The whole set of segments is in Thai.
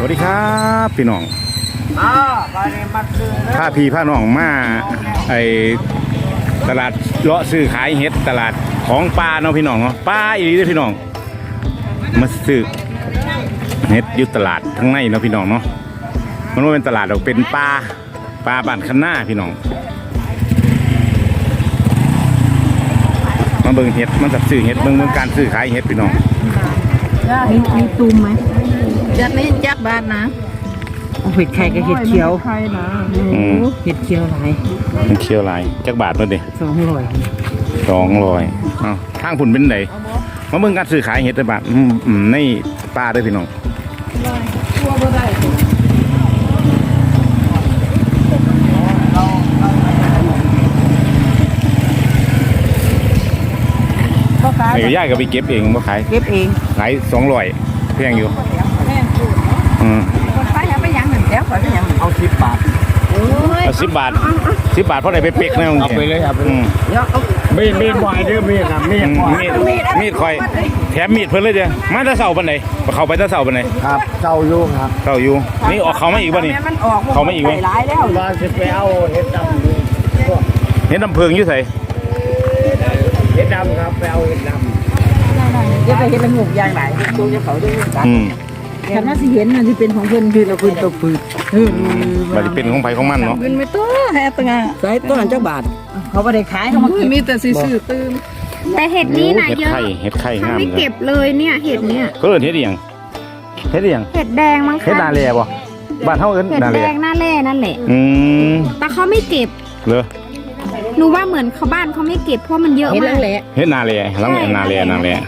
วัสดีครับพี่น้องผ้าพี่ผ้าน้องมาไอตลาดเลาะซื้อขายเห็ดตลาดของปลาเนาะพี่น้องเนาะปลาอีหลีเด้อพี่น้องมาซื้อเห็ดอยู่ตลาดทั้งในเนาะพี่น้องเนาะมันว่าเป็นตลาดเราเป็นปลาบ้านคันหน้าพี่น้องมาเบิ่งเห็ดมันจับซื้อเห็ดเบิ่งการซื้อขายเห็ดพี่น้องมีตูมไหมจัดนี้จักบาทนะเห็ดไข่กับเห็ดเขียวเห็ดเขียวหลายเห็ดเขียวหลายจักบาทเพิ่นดิ200อ้าวทางผุนเป็นไหนมาเบิ่งการซื้อขายเห็ดได้บาทในปลาได้พี่น้องไอ้ย่ายก็ไปเก็บเองมาขายเก็บเองขาย200แพงอยู่คนไปยังไปยังหนึ่งแล้วไปยังเอา10 บาทเอา10 บาทเพราะไหนไปเป๊กนะเอาไปเลยครับมีดบ่อยเด้อมีดครับมีดคอยแถมมีดเพิ่นเลยเด้อมาแต่เช้าปานใดเข้าไปแต่เช้าปานใดครับเจ้าอยู่ครับเช้าอยู่นี่ออกเขามาอีกบ่นี่เขามาอีกมั้ยหลายแล้วว่าสิไปเอาเห็ดดำเห็ดน้ำเพิงอยู่ไสเห็ดดำครับไปเอาเห็ดดำจะไปเห็นละงูยางไหนตัวจะเขาด้วยกันฉันว่าสิเห็นมันที่เป็นของเพิ่นคือเราเพิ่นตัวปืนมันจะเป็นของไผของมันเนาะเงินไม่ตัวแฮตงาใส่ตัวนั้นจักบาทเขาไม่ได้ขายเขามามีแต่ซื้อตื้มแต่เห็ดนี่นะเยอะเห็ดไข่งามไม่เก็บเลยเนี่ยเห็ดเนี่ยก็เห็ดอีหยังเห็ดแดงมั้งคะเห็ดนาแลบ่บ้านเฮาเอิ้นนาแลเห็ดแดงนาแลนั่นแหละแต่เขาไม่เก็บเหรอหนูว่าเหมือนเขาบ้านเขาไม่เก็บเพราะมันเยอะมากเห็ดนาแลหลังนาแล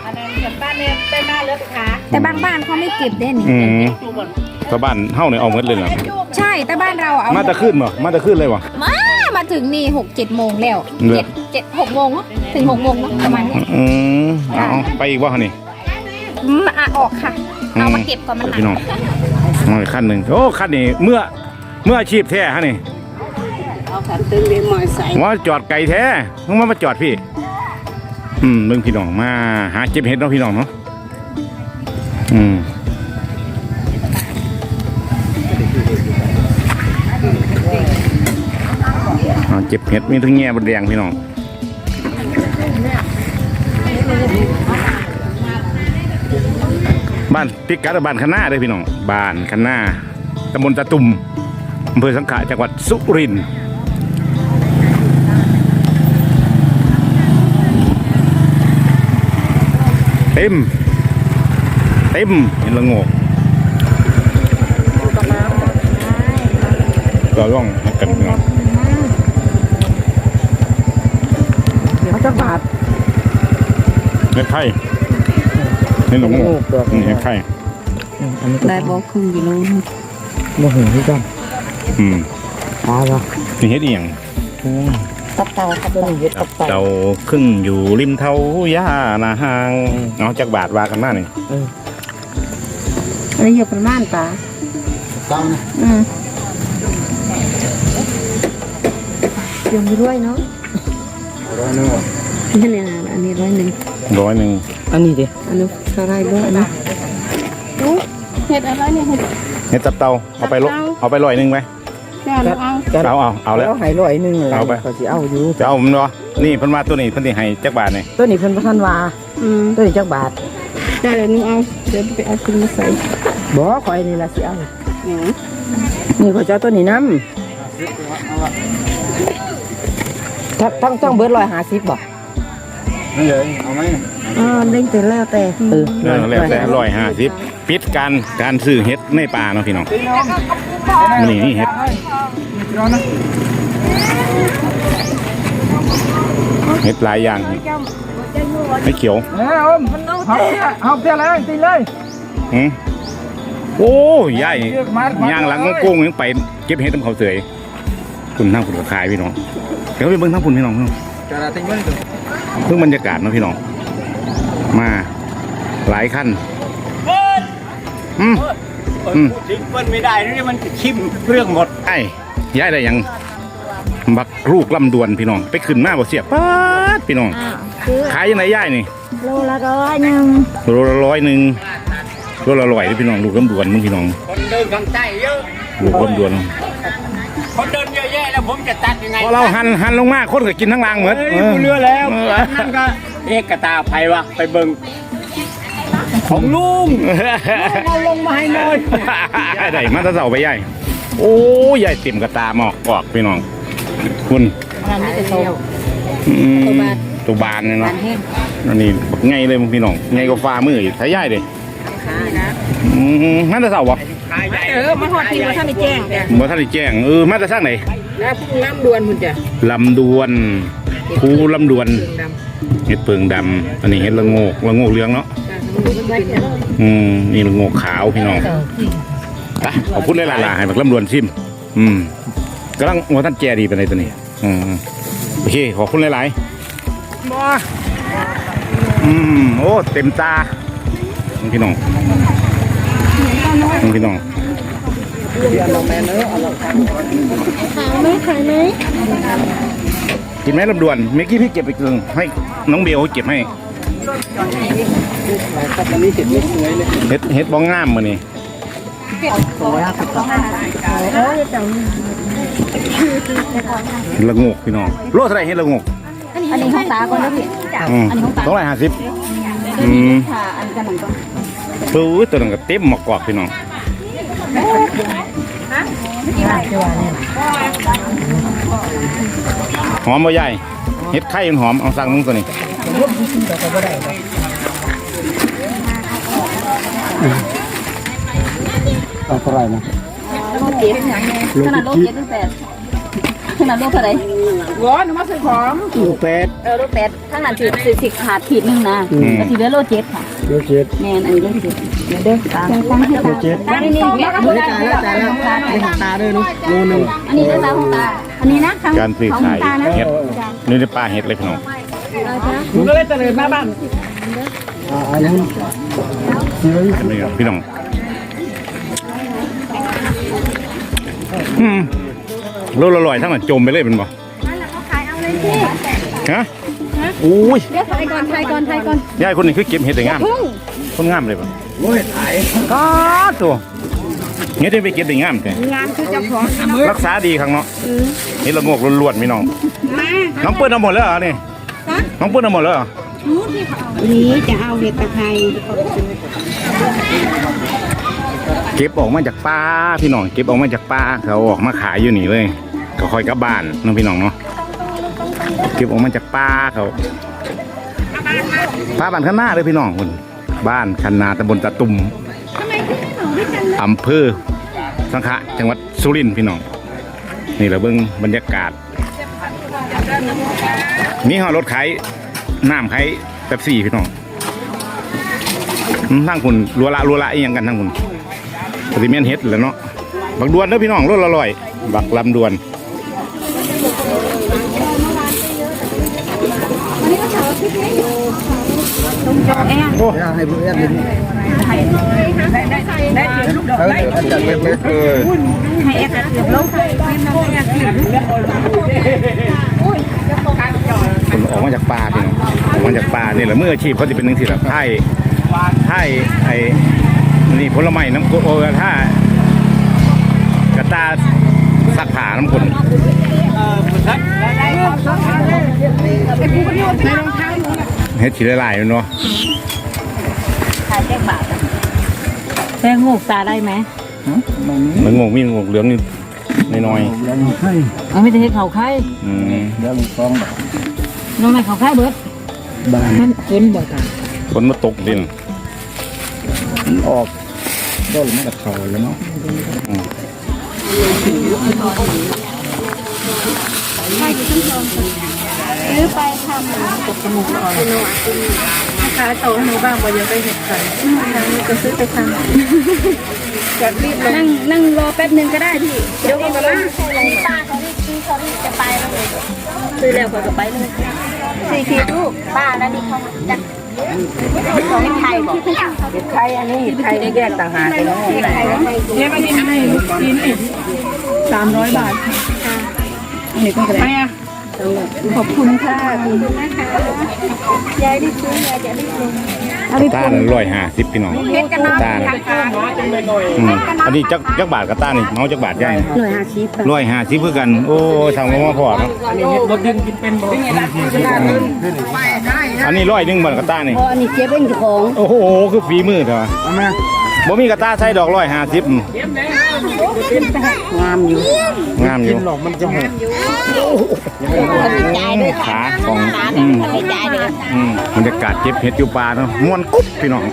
แต่บางบ้านเขาไม่เก็บได้นี่แต่บ้านเฮาเนี่ยเอาหมดเลยเหรอใช่แต่บ้านเราเอามาตะขึ้นบ่มาตะขึ้นเลยบ่มาถึงนี่6-7 โมงแล้ว7-6 โมงถึง6 โมงเนาะประมาณนี้เอาไปอีกบ่นี่ออกค่ะเอามาเก็บก่อนมันหนักพี่น้องมาขั้นหนึ่งโอ้ขั้นนี้เมื่ออาชีพแท้ฮะนี่เอาขันตึงเรียนมอใส่ว่าจอดไก่แท้มึงมาจอดพี่เบิ่งพี่น้องมาหาเก็บเห็ดเนาะพี่น้องเนาะเก็บเห็ดมีทั้งแง่บดแดงพี่น้องบ้านพิกัดบ้านคันนาเลยพี่น้องบ้านคันนาตำบลตะตุ่มอำเภอสังขะจังหวัดสุรินทร์เต็มเห็นละโงกก็ร่องกันพี่น้องเขาจะบาดเห็ดไข่เห็ดละโงกเห็ดไข่ได้บอกครึ่งกิโลโมโหที่กันปลาปะนี่เห็ดเอียงตับเต่าครับตัวนี้เห็ดตับเต่าครึ่งอยู่ริมเท้าย่านาหางเอาจากบาทวากันหน้าหนึ่งอันนี้เห็ดประมาณตาตั้งเดี๋ยวมีด้วยเนาะ100นี่นะอันนี้100 อันนี้ดิอันนี้เท่าไรด้วยนะเห็ดอะไรเนี่ยเห็ดตับเต่าเอาไป100ไหมเอาแล้วให้100เอาไปเขาจะเอาอยู่จะเอามันเนาะนี่เพิ่นมาตัวนี้เพิ่นสิให้จักบาทนี่ตัวนี้เพิ่นบ่ทันว่าตัวนี้จักบาทได้เดี๋ยวนึงเอาเดี๋ยวไปเอาขึ้นมาใส่บ่ข่อยนี่ล่ะสิเอานี่เขาจะตัวนี้นำต้องเบิด150บ่นี่เลยเอาไหมเด้งแต่แล้วแต่แล้วแต่150ปิดการซื้อเห็ดในป่าเนาะพี่น้องนี่เห็ดหลายอย่างไม่เขียวเอาเท่าไรตีเลยโอ้ยายย่างหลังกุ้งยังไปเก็บเห็ดต้มเขาเสยคุณทั้งคุณขายพี่น้องเดี๋ยวไปเบิ้งทั้งคุณพี่น้องเพิ่งบรรยากาศนะพี่น้องมาหลายขั้นทิ้งเปิ้ลไม่ได้นี่มันชิมเรื่องหมดไอ้ย้ายได้ยังบักลูกลำดวนพี่น้องไปขึ้นมาบ่เสียป๊าดพี่น้องขายยังไงย้ายนี่โลละ100โลละ100 โลละ100พี่น้องลูกลำดวนมึงพี่น้องเดินข้างใต้เยอะลูกลำดวนคนเดินเยอะแยะแล้วผมจะตัดยังไงพอเราหันลงมาคนก็กินทั้งรางเหมือนเรือแล้วนั่นก็เอกตาไผวะไปเบิ่งของลุงเอาลงมาให้หน่อยได้มาตะเสาไปใหญ่โอ้ใหญ่ติ่มกระตาหมอกกอกพี่น้องคุณงานนี้จะโตตัวบานเนี่ยเนาะอันนี้ไงเลยพี่น้องไงก็ฟ้ามืออยู่ใช้ใหญ่เลยมาตะเสาบ่มาหอดทีว่าท่านได้แจ้งจ้ะบ่ท่านได้แจ้งมาตะสร้างไหนแล้วพุ่งน้ำดวนคุณจ้ะลำดวนภูลำดวนเห็ดเปิงดำอันนี้เห็ดละโงกเหลืองเนาะนี่ละโงกขาวพี่น้องขอบคุณหลายๆให้บักลำดวนซิมกำลังว่าท่านแจดีไปไหนตัวนี้โอเคขอบคุณหลายๆโอ้เต็มตาพี่น้องพี่น้องขายไหมกินไหมลำดวนเมื่อกี้พี่เก็บไปกึ่งให้น้องเบลเก็บให้เฮ็ดบ้องงามมานี่ละงกพี่น้องโลเท่าไหร่เฮ็ดละงกอันนี้ของตาก่อนแล้วพี่อันนี้ของตา 250 ค่ะอันกันหนึ่งก่อนปื้อตัวนึงก็เต็มหมอกกรอบพี่น้องหอมบ่ใหญ่เฮ็ดไข่มันหอมเอาสั่งมึงตัวนี้เอาเท่าไหร่นะโลเจ็ดขนาดโลเจ็ดตั้งแต่ขนาดโลเท่าไหร่ร้อนมาซื้อของลูกเป็ดโลแปดขนาดสิบขาดขีดนึงนะก็ถือว่าโลเจ็ดค่ะลูกเจ็ดแม่อันนี้โลเจ็ดเดี๋ยวตาตั้งให้ตาตั้งนี่นี่จ่ายแล้วตาด้วยเนาะโลนึงอันนี้ตาของตาอันนี้นะการซื้อขายเฮ็ดนี่ได้ปลาเฮ็ดเลยพี่น้องผมก็เลยเจริญมาบ้านอันนี้นี่ครับพี่น้องโลละร้อยทั้งนั้นจมไปเลยเป็นบ่ฮะอุ้ยเดี๋ยวถ่ายก่อนยายคนนี้คือเก็บเห็ดได้งามคนงามเลยป่ะโอ้ยถ่ายก็ตัวเห็ดได้ไปเก็บได้งามแต่งานคือเจ้าของรักษาดีครั้งเนาะเห็ดละงกล้วนๆพี่น้องน้องเปิ้ลเอาหมดแล้วเหรอนี่น้องเปิ้ลเอาหมดแล้วเหรอนี้จะเอาเห็ดตะไคร้เก็บออกมาจากป่าพี่น้องเก็บออกมาจากป่าเขาออกมาขายอยู่นี่เลยก็คอยกลับบ้านน้องพี่น้องเนาะเก็บออกมาจากป่าเขาป่าบ้านข้างหน้าเลยพี่น้องคนบ้านคันนาตำบลตะตุ่มอำเภอสังขะจังหวัดสุรินทร์พี่น้องนี่เราเบิ่งบรรยากาศนี่ห่อรถขายน้ำขายเป๊ปซี่พี่น้องทั้งคุณรัวละอีกอย่างกันทั้งคุณปฏิเมียนเฮ็ดแล้วเนาะบักดวนเด้อพี่น้องรถละร้อยบักลำดวนโอ้ให้เพื่อนเลยให้แอดเกือบลงคนออกมาจากป่าพี่น้องออกมาจากป่านี่แหละเมื่ออาชีพเขาจะเป็นหนึ่งที่แบบไทยไอ้นี่ผลไม้น้ำกรดโอ้ถ้ากระตาสักผ่าน้ำกรดเฮ็ดทีละลายเนาะแป้งงูตาได้ไหมมันงงมีงงเหลืองนี่น้อยยังให้เอาไม่ได้ให้เขาไข่เดี๋ยวฟองแบบน้องไหนเขาไข่เบิดบ้านมันฝนบ่ตาฝนมาตกดินออกก็ไม่กับเขาแล้วเนาะซื้อไปทำตกจมูกอ่อนขายโตให้หนูบ้างบ่เยอะไปเห็ดไข่นี่ก็ซื้อไปทำแบบรีบนั่งรอแป๊บนึงก็ได้พี่เดี๋ยวก็มาป้าเขาจะไปแล้วเลยซื้อแล้วก็จะไปเลย4 ขีดลูกป้าแล้วนี่เขาจะของไทยบอกเห็ดไข่อันนี้เห็ดไข่แยกต่างหากเลยเนาะเนี่ยมันนี่ให้กิน300 บาทอันนี้ก็ได้ขอบคุณค่ะขอบคุณนะคะยายได้ซื้อยายจะได้ลงกระต้าน่ะ150พี่น้องเฮ็ดกันเนาะต้าน่ะอันนี้จักบาทกระต้านี่เมาจักบาทใหญ่150เพื่อกันโอ้ทางมาพอเนาะรถดึงกินเป็นบ่อันนี้100บ่กระต้านี่พออันนี้เก็บเองเจ้าของโอ้โหคือฝีมือเถอะบ่มีกระต้าใส่ดอก150 งามอยู่งามอยู่หลอกมันจะหกขาของบรรยากาศเก็บเห็ดอยู่ป่าเนาะม่วนกุ๊บพี่น้อง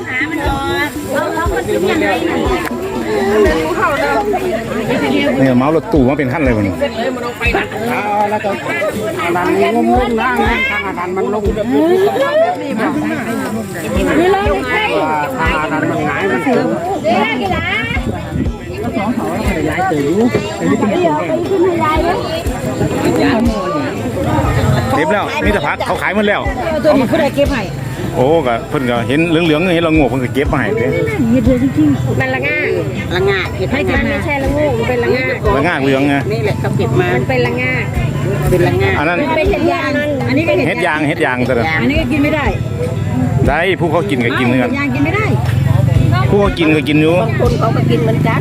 เนี่ยเมารถตู้มาเป็นขั้นเลยวันนี้แล้วก็ดันลงล่างทางดันมันลงแบบนี้นี่เลยใช่ทางดันมันหงายมันเสื่อมเดี๋ยวกี่ล้าย้ายตื่นเดี๋ยวไปขึ้นให้ยายเลยเต็มแล้วนี่แต่พักเขาขายหมดแล้วตัวนี้ผู้ใดเก็บให้โอ้ก็เพิ่นก็เห็นเหลืองๆเห็นเราโง่เพิ่นก็เก็บมาให้เด้มันละง่าละงาเก็บให้มันไม่ใช่ละงูมันเป็นละง่าแล้วง่าเหลืองไงนี่แหละเขาเก็บมามันเป็นละง่าเป็นละงาอันนั้นมันเป็นเห็ดยางอันนี้เป็นเฮ็ดยางซะเด้ออันนี้ก็กินไม่ได้ได้ผู้เขากินก็กินเหมือนกันยางกินไม่ได้ผู้เขากินก็กินอยู่บางคนเขาก็กินเหมือนกัน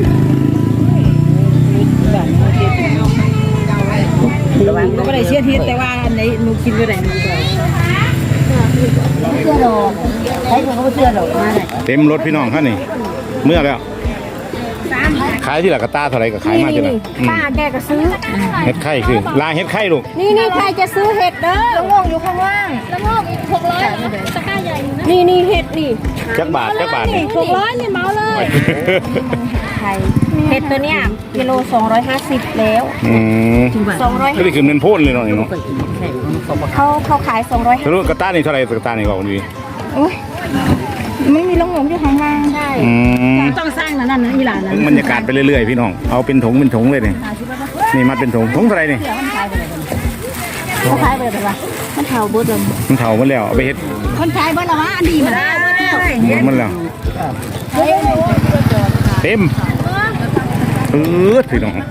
ก็ไม่ได้เชื่อทิศแต่ว่าในหนูกินไม่ได้มันก็เชื่อดอกใช้คนเขาเชื่อดอกมาเลยเต็มรถพี่น้องคันนี่เมื่อแล้วขายที่ละกระต้าเท่าไหร่ก็ขายมาจังได๋ป้าแกก็ซื้อเฮ็ดไข่คือลาเฮ็ดไข่ลูกนี่ใครจะซื้อเห็ดเด้อละงงอยู่ข้างล่างละงง600ตะกร้าใหญ่อยู่นะนี่เห็ดนี่จักบาทนี่ 600นี่เมาเลยไข่เห็ดตัวเนี้ยกิโล250แล้วอืม 200 ก็ได้คือเงินโพ่นเลยเนาะนี่เนาะเขาขาย200 สรุปกระต้านี่เท่าไหร่กระต้านี่บอกดีไม่มีละงงอยู่ข้างล่างใช่อืมต้องสร้างนั่นนะอีหลานนะบรรยากาศไปเรื่อยๆพี่น้องเอาเป็นถุงเลยนี่มัดเป็นถุงเท่าไหร่นี่เขาขายไปเลยป่ะมันเผาเบิดเลยมันเฒ่าหมดแล้วเอาไปเฮ็ดคนขายเบิดแล้ววะอันดีมาแล้วหมดแล้วเต็มพี่น้อง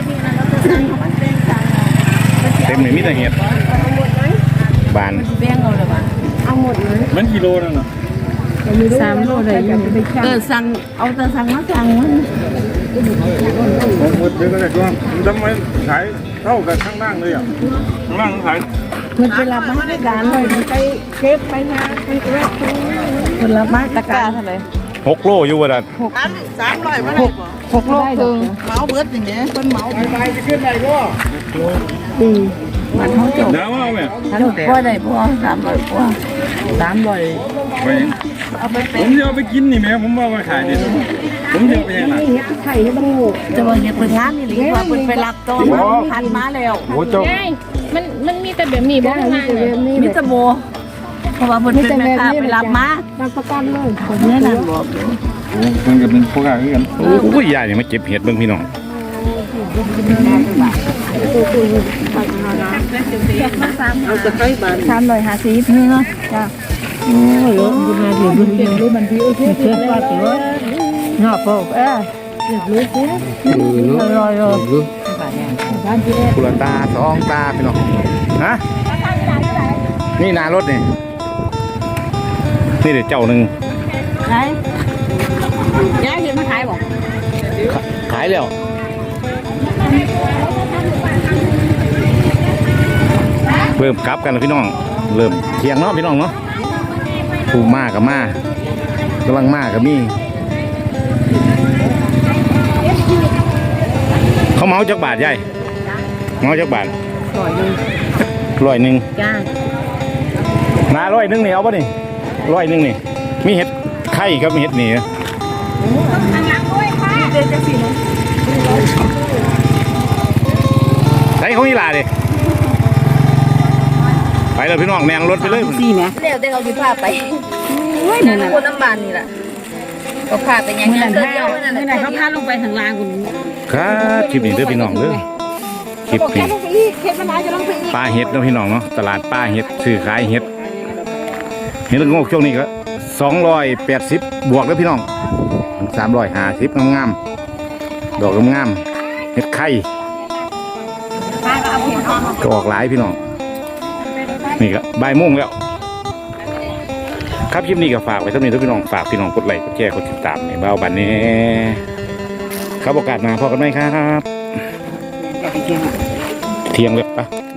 เต็มเลยมีแต่เห็ดบานแบ่งเอาเลยป่ะมันกิโลนั่นน่ะ 3 โลเลยสั่งเอาแต่สั่งมาสั่งมันผมหมดเดี๋ยวก็ได้ก็ทำไมขายเท่ากับข้างล่างเลยอ่ะข้างล่างขายมันเป็นรับมาตรการเลยไปเก็บไปนะไปแวะคนรับมาตรการเท่าไหร่ 6 โลอยู่ว่าดัน 6 โลครึ่งเมาเบิดอย่างเงี้ยเป็นเมาไปจะขึ้นไหนก็มันเขาจบน้ำว่าไหมพ่อได้พ่อ300พ่อ300 ไปผมจะเอาไปกินนี่แม่ผมว่ามาขายดิผมจะเอาไปยังไงจะว่าเฮ็ดเพิ่นงานนี่หรือว่าเพิ่นไปรับตัวมาพันมาแล้วโอ้เจ้ามันมีแต่แบบนี้บ้างมีแต่แบบนี้มิตรโบเพราะว่าเพิ่นเป็นแม่ค้าไปรับมารับประกันเลยคนนี้น่ะบอกมันก็เป็นพวกอะไรกันโอ้ยยายนี่มาเก็บเห็ดเบิ่งพี่น้องเอาจะให้บ้าน350นี่เนาะจ้ะโอ้ยบุญมาเดี๋ยวบุญเก็บรู้มันดีโอเคเก็บว่าสิว่าเนาะพ่อเก็บรู้สิรอยกุละตา2 ตาพี่น้องฮะนี่หนารถนี่เดี๋ยวเจ้าหนึ่งๆไหนยายเห็นมาขายบ่ขายแล้วเริ่มกลับกันแล้วพี่น้องเริ่มเที่ยงเนาะพี่น้องเนาะผู้มากับมากำลังมากับมีเขาเมาจักบาทยายเมาจักบาท100 จ้านา100นี่เอาป่ะนี่100นี่มีเห็ดไข่ครับมีเห็ดนี่ใส่ของอีหลาดิไปเลยพี่น้องแนงรถไปเลยสี่ไหมเดี๋ยวเราจะพาไปคนน้ำบานนี่แหละก็พาไปยังเมื่อไงนั้นเดียวนั่นแหเมื่อละนั้นเขาพาลงไปทางลางคุณครับคลิปนี้เด้อพี่น้องเด้อคลิปนี้เห็ดมันอาจจะต้องไปอีกปลาเห็ดเนาะพี่น้องเนาะตลาดปลาเห็ดซื้อขายเห็ดเห็ดละโงกช่วงนี้ก็280บวกแล้วพี่น้อง350งามๆดอกงามๆเห็ดไข่ก็ออกหลายพี่น้องนี่ก็บ่ายโมงแล้วครับคลิปนี้ก็ฝากไว้สำหรับทุกพี่น้องฝากพี่น้องกดไลค์กดแชร์กดติดตามในเบ้าบันนี้ครับโอกาสหน้าพอกันไหมครับเที่ยงเลยปะ